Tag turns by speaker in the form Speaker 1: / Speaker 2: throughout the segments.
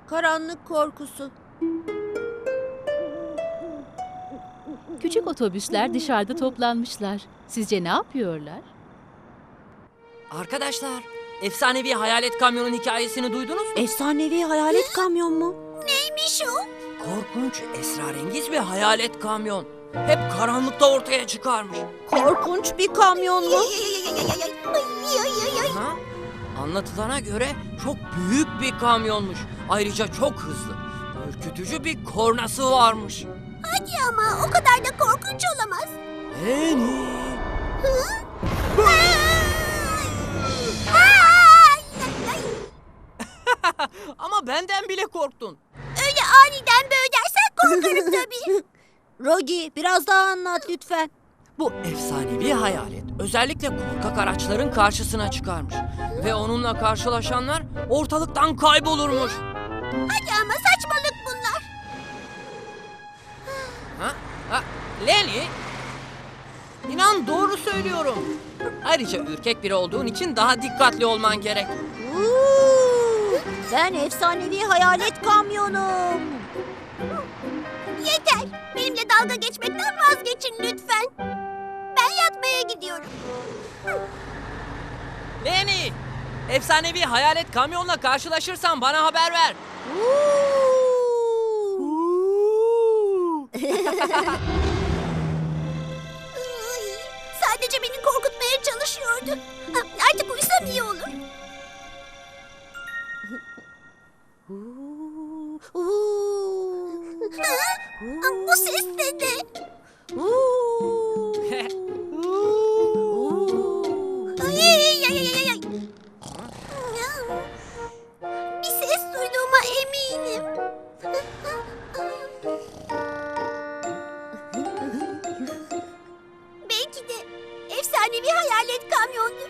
Speaker 1: Karanlık korkusu.
Speaker 2: Küçük otobüsler dışarıda toplanmışlar. Sizce ne yapıyorlar?
Speaker 3: Arkadaşlar, efsanevi hayalet kamyonun hikayesini duydunuz mu?
Speaker 1: Efsanevi hayalet kamyon mu?
Speaker 4: Neymiş o?
Speaker 3: Korkunç, esrarengiz bir hayalet kamyon. Hep karanlıkta ortaya çıkarmış.
Speaker 1: Korkunç bir kamyon mu?
Speaker 3: Ha? Anlatılana göre çok büyük bir kamyonmuş. Ayrıca çok hızlı. Ürkütücü bir kornası varmış.
Speaker 4: Hadi ama o kadar da korkunç olamaz.
Speaker 3: Leni. Ama benden bile korktun.
Speaker 4: Öyle aniden böyle dersen korkarım tabii.
Speaker 1: Rogi, biraz daha anlat lütfen.
Speaker 3: Bu efsanevi hayalet özellikle korkak araçların karşısına çıkarmış. Ve onunla karşılaşanlar ortalıktan kaybolurmuş.
Speaker 4: Hadi ama saçmalık bunlar.
Speaker 3: Ha? Leni? İnan doğru söylüyorum. Ayrıca ürkek biri olduğun için daha dikkatli olman gerek.
Speaker 1: Ben efsanevi hayalet kamyonum.
Speaker 4: Yeter. Benimle dalga geçmekten vazgeçin lütfen. Ben yatmaya gidiyorum.
Speaker 3: Leni! Efsanevi hayalet kamyonla karşılaşırsan bana haber ver.
Speaker 4: Sadece beni korkutmaya çalışıyordu. Artık uyusam iyi olur. Bu ses de ne? Ay, ay, ay, ay, ay. Bir ses duyduğuma eminim. Belki de efsanevi hayalet kamyondur.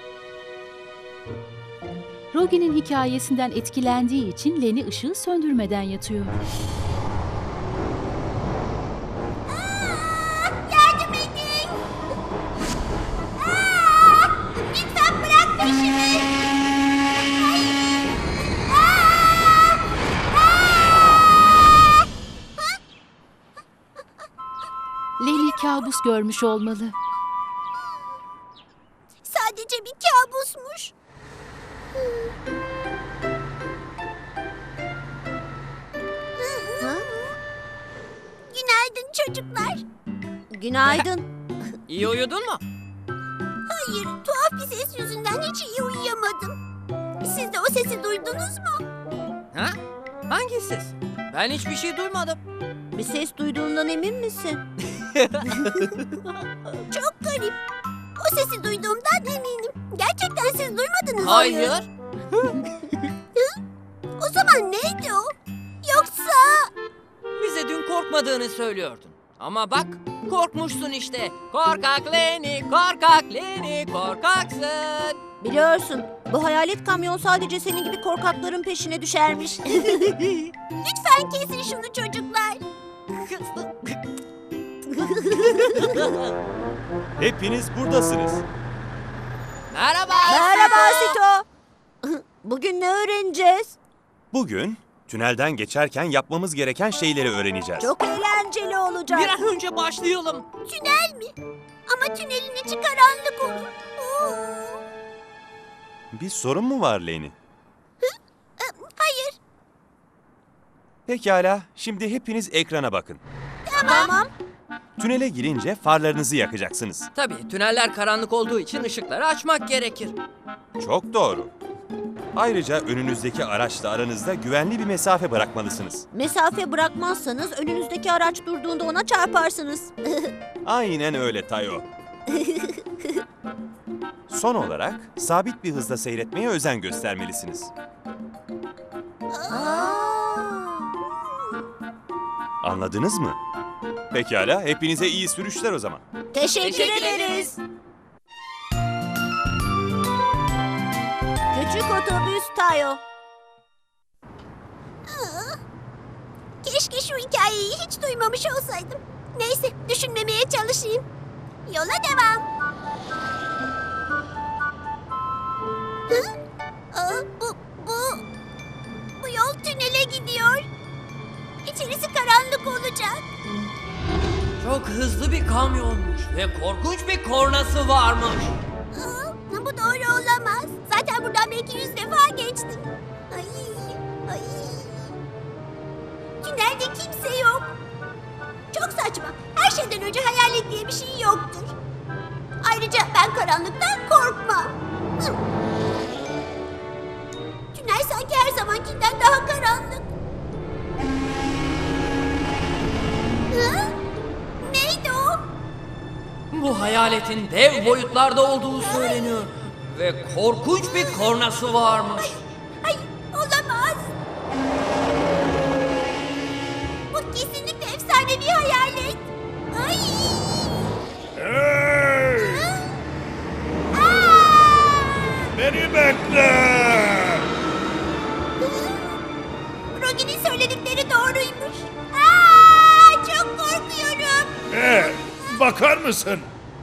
Speaker 2: Rogi'nin hikayesinden etkilendiği için Leni ışığı söndürmeden yatıyor.
Speaker 4: Yardım edin. Lütfen bırak peşimi. Hayır.
Speaker 2: Leni kabus görmüş olmalı.
Speaker 4: Sadece bir kabusmuş. Günaydın çocuklar.
Speaker 1: Günaydın.
Speaker 3: İyi uyudun mu?
Speaker 4: Hayır, tuhaf bir ses yüzünden hiç iyi uyuyamadım. Siz de o sesi duydunuz mu?
Speaker 3: Ha? Hangi ses? Ben hiçbir şey duymadım.
Speaker 1: Bir ses duyduğundan emin misin?
Speaker 4: Çok garip. O sesi duyduğumdan eminim. Gerçekten siz duymadınız mı?
Speaker 3: Hayır.
Speaker 4: O zaman neydi o? Yoksa...
Speaker 3: Bize dün korkmadığını söylüyordun. Ama bak korkmuşsun işte. Korkak Leni, korkak Leni, korkaksın.
Speaker 1: Biliyorsun, bu hayalet kamyon sadece senin gibi korkakların peşine düşermiş.
Speaker 4: Lütfen kesin şunu çocuklar.
Speaker 5: Hepiniz buradasınız.
Speaker 3: Merhaba.
Speaker 1: Merhaba Sito. Bugün ne öğreneceğiz?
Speaker 5: Bugün tünelden geçerken yapmamız gereken şeyleri öğreneceğiz.
Speaker 1: Çok eğlenceli olacak.
Speaker 3: Bir an önce başlayalım.
Speaker 4: Tünel mi? Ama tünelin içi karanlık olur. Oo.
Speaker 5: Bir sorun mu var Leni?
Speaker 4: Hayır.
Speaker 5: Pekala, şimdi hepiniz ekrana bakın.
Speaker 1: Tamam.
Speaker 5: Tünele girince farlarınızı yakacaksınız.
Speaker 3: Tabii tüneller karanlık olduğu için ışıkları açmak gerekir.
Speaker 5: Çok doğru. Ayrıca önünüzdeki araçla aranızda güvenli bir mesafe bırakmalısınız.
Speaker 1: Mesafe bırakmazsanız önünüzdeki araç durduğunda ona çarparsınız.
Speaker 5: Aynen öyle Tayo. Son olarak sabit bir hızda seyretmeye özen göstermelisiniz. Anladınız mı? Pekala, hepinize iyi sürüşler o zaman.
Speaker 1: Teşekkür ederiz. Küçük otobüs Tayo.
Speaker 4: Keşke şu hikayeyi hiç duymamış olsaydım. Neyse, düşünmemeye çalışayım. Yola devam. Bu yol tünele içerisi karanlık olacak.
Speaker 3: Çok hızlı bir kamyonmuş ve korkunç bir kornası varmış.
Speaker 4: Bu doğru olamaz. Zaten buradan belki 100 defa geçtim. Ay, ay. Tünelde kimse yok. Çok saçma. Her şeyden önce hayalet diye bir şey yoktur. Ayrıca ben karanlıktan korkmam. Hı. Tünel sanki her zamankinden daha karanlık. Hı? Neydi o?
Speaker 3: Bu hayaletin dev boyutlarda olduğu söyleniyor. Ve korkunç bir kornası varmış.
Speaker 4: Ay, olamaz. Bu kesinlikle efsanevi hayalet. Ay.
Speaker 6: Hey!
Speaker 4: Aa!
Speaker 6: Beni bekle!
Speaker 4: Rogi'nin söyledikleri doğruymuş. Aa, çok korkuyorum.
Speaker 6: Bakar mısın?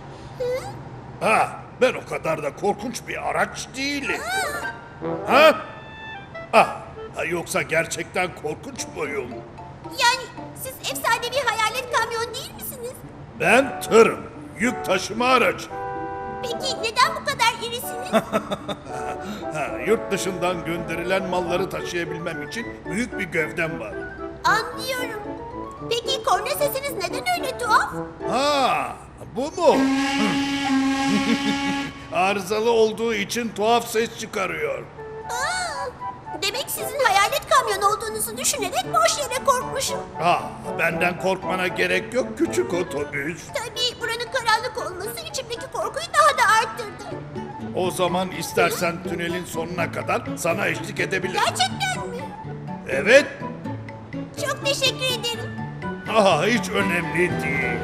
Speaker 6: Ben o kadar da korkunç bir araç değilim. Ha? Yoksa gerçekten korkunç muyum?
Speaker 4: Yani siz efsanevi hayalet kamyon değil misiniz?
Speaker 6: Ben tırım, yük taşıma aracı.
Speaker 4: Peki neden bu kadar irisiniz?
Speaker 6: Yurt dışından gönderilen malları taşıyabilmem için büyük bir gövdem var.
Speaker 4: Anlıyorum. Peki korna sesiniz neden öyle tuhaf?
Speaker 6: Bu mu? Arızalı olduğu için tuhaf ses çıkarıyor.
Speaker 4: Demek sizin hayalet kamyon olduğunuzu düşünerek boş yere korkmuşum.
Speaker 6: Benden korkmana gerek yok küçük otobüs.
Speaker 4: Tabii buranın karanlık olması içimdeki korkuyu daha da arttırdı.
Speaker 6: O zaman istersen tünelin sonuna kadar sana eşlik edebilirim.
Speaker 4: Gerçekten mi?
Speaker 6: Evet.
Speaker 4: Çok teşekkür ederim.
Speaker 6: Hiç önemli değil.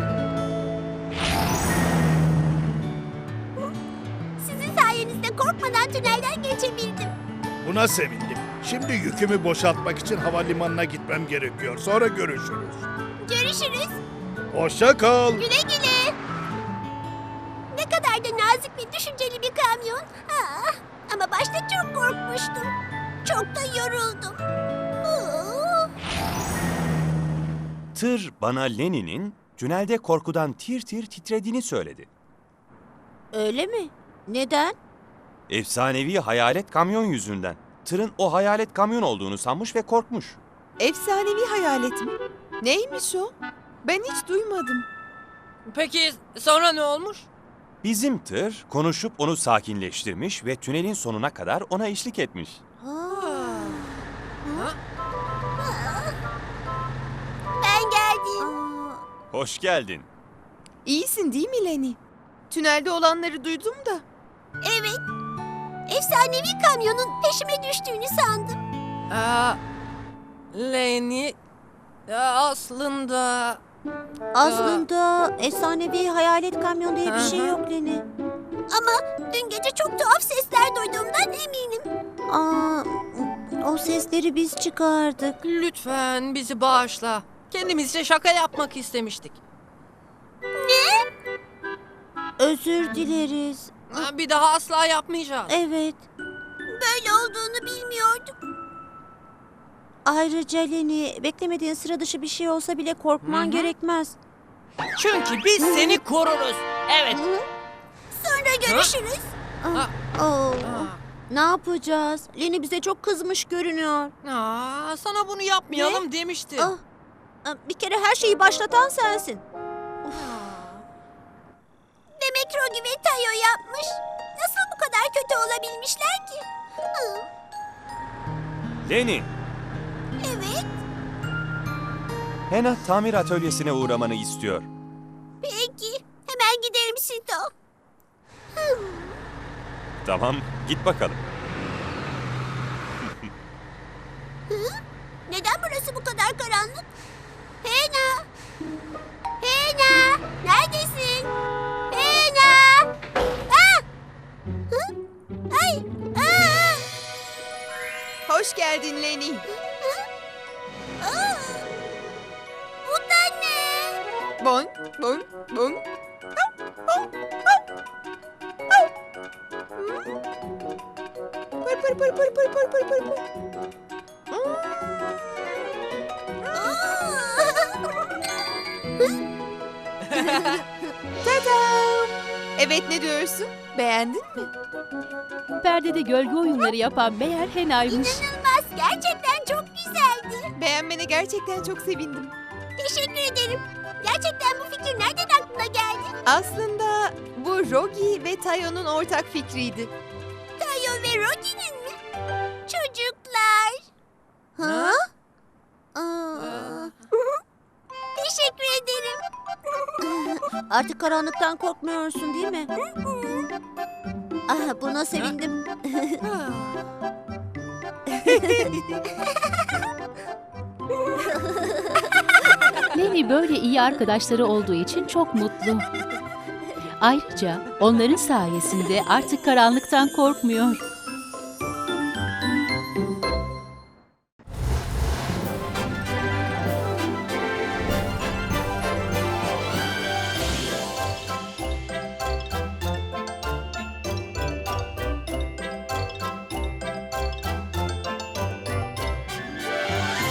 Speaker 4: Sizin sayenizde korkmadan tünelden geçebildim.
Speaker 6: Buna sevindim. Şimdi yükümü boşaltmak için havalimanına gitmem gerekiyor. Sonra görüşürüz.
Speaker 4: Görüşürüz.
Speaker 6: Hoşça kal.
Speaker 4: Güle güle. Ne kadar da nazik ve düşünceli bir kamyon. Ama başta çok korkmuştum. Çok da yoruldum.
Speaker 5: Tır bana Lenny'nin tünelde korkudan tir tir titrediğini söyledi.
Speaker 1: Öyle mi? Neden?
Speaker 5: Efsanevi hayalet kamyon yüzünden. Tırın o hayalet kamyon olduğunu sanmış ve korkmuş.
Speaker 7: Efsanevi hayalet mi? Neymiş o? Ben hiç duymadım.
Speaker 3: Peki sonra ne olmuş?
Speaker 5: Bizim tır konuşup onu sakinleştirmiş ve tünelin sonuna kadar ona eşlik etmiş.
Speaker 4: Ben geldim.
Speaker 5: Hoş geldin.
Speaker 7: İyisin değil mi Lenny? Tünelde olanları duydum da.
Speaker 4: Evet. Efsanevi kamyonun peşime düştüğünü sandım.
Speaker 3: Lenny aslında...
Speaker 1: Aslında efsanevi hayalet kamyon diye bir şey yok Lenny.
Speaker 4: Ama dün gece çok tuhaf sesler duyduğumdan eminim.
Speaker 1: O sesleri biz çıkardık.
Speaker 3: Lütfen bizi bağışla. Kendimizce şaka yapmak istemiştik.
Speaker 1: Özür dileriz.
Speaker 3: Bir daha asla yapmayacağız.
Speaker 1: Evet.
Speaker 4: Böyle olduğunu bilmiyordum.
Speaker 1: Ayrıca Lenny, beklemediğin sıra dışı bir şey olsa bile korkman gerekmez.
Speaker 3: Çünkü biz seni koruruz. Evet.
Speaker 4: Sonra görüşürüz.
Speaker 1: Ne yapacağız? Lenny bize çok kızmış görünüyor.
Speaker 3: Sana bunu yapmayalım demiştim.
Speaker 1: Bir kere her şeyi başlatan sensin.
Speaker 4: Demek Rogi ve Tayo yapmış. Nasıl bu kadar kötü olabilmişler ki?
Speaker 5: Lenny,
Speaker 4: Evet.
Speaker 5: Hena tamir atölyesine uğramanı istiyor.
Speaker 4: Peki. Hemen giderim Sito.
Speaker 5: Tamam, git bakalım.
Speaker 4: Neden burası bu kadar karanlık? Hena! Hena! Neredesin? Hena! Ay!
Speaker 7: Hoş geldin Lenny.
Speaker 4: Bu da ne?
Speaker 7: Bon, bon, bon. Pır pır pır pır pır pır pır pır. Tadam! Evet, ne diyorsun? Beğendin mi?
Speaker 2: Perdede gölge oyunları yapan meğer Hena'ymış.
Speaker 4: İnanılmaz. Gerçekten çok güzeldi.
Speaker 7: Beğenmene gerçekten çok sevindim.
Speaker 4: Teşekkür ederim. Gerçekten bu fikir nereden aklına geldi?
Speaker 7: Aslında bu Rogi ve Tayo'nun ortak fikriydi.
Speaker 4: Tayo ve Rogi'nin mi? Çocuklar.
Speaker 1: Ha?
Speaker 4: Teşekkür ederim.
Speaker 1: Artık karanlıktan korkmuyorsun değil mi? Ah, buna sevindim.
Speaker 2: Leni böyle iyi arkadaşları olduğu için çok mutlu. Ayrıca onların sayesinde artık karanlıktan korkmuyor.